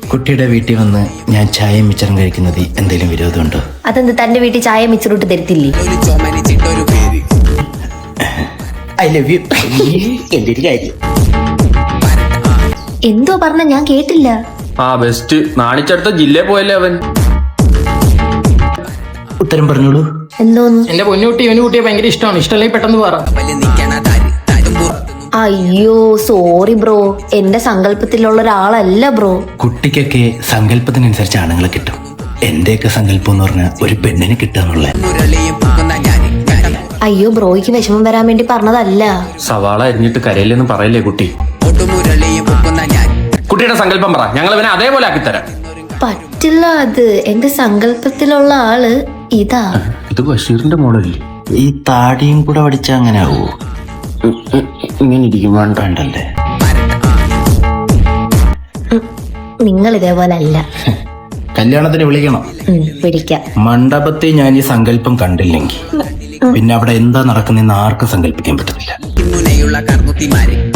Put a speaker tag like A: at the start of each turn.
A: കുട്ടിയുടെ വീട്ടിൽ വന്ന് ഞാൻ ചായയും മിച്ചറും കഴിക്കുന്നത് എന്തെങ്കിലും വിരോധമുണ്ടോ?
B: അതെന്ത് തന്റെ വീട്ടിൽ ചായ മിച്ചറിട്ട് തരത്തില്ലേ?
A: I love you. എന്റെ ഒരു കാര്യം
B: എന്തോ പറഞ്ഞ ഞാൻ കേട്ടില്ല.
C: ആ ബെസ്റ്റ് നാണിച്ചടുത്ത ജില്ലയിൽ പോയല്ലേ അവൻ.
A: ഉത്തരം പറഞ്ഞോളൂ.
B: എന്തോന്ന്?
D: എന്റെ പൊന്നുകുട്ടി ഇവന് കുട്ടിയെ ഭയങ്കര ഇഷ്ടമാണ്. ഇഷ്ടമല്ലേ പെട്ടെന്ന് പറ.
B: അയ്യോ സോറി ബ്രോ, എന്റെ സങ്കല്പത്തിലുള്ള ഒരാളല്ല ബ്രോ.
A: കുട്ടിക്കൊക്കെ സങ്കല്പത്തിനനുസരിച്ച് ആണുങ്ങളെ കിട്ടും. എന്റെയൊക്കെ സങ്കല്പം എന്ന് പറഞ്ഞാൽ ഒരു പെണ്ണിനെ കിട്ടുക.
B: അയ്യോ ബ്രോയ്ക്ക് വിഷമം വരാൻ വേണ്ടി പറഞ്ഞതല്ല.
C: സവാള അരിഞ്ഞിട്ട് കരയില്ലെന്ന് പറയല്ലേ കുട്ടി. കുട്ടിയുടെ സങ്കല്പം പറ, ഞങ്ങൾ ഇവനെ അതേപോലെ ആക്കിത്തരാം.
B: പറ്റില്ല, അത് എന്റെ സങ്കല്പത്തിലുള്ള ആള് ഇതാ.
C: ഇത് ബഷീറിന്റെ മോഡല്ലേ?
A: ഈ താടിയും കൂടെ പഠിച്ച അങ്ങനെ ആവോ?
C: ഇങ്ങനെ ഇരിക്കും
A: വേണ്ടല്ലേ?
B: നിങ്ങൾ ഇതേപോലെ അല്ല.
A: കല്യാണത്തിന് വിളിക്കണം.
B: പിടിക്കാം.
A: മണ്ഡപത്തിൽ ഞാൻ ഈ സങ്കല്പം കണ്ടില്ലെങ്കിൽ പിന്നെ അവിടെ എന്താ നടക്കുന്നതെന്ന് ആർക്കും സങ്കല്പിക്കാൻ പറ്റത്തില്ല.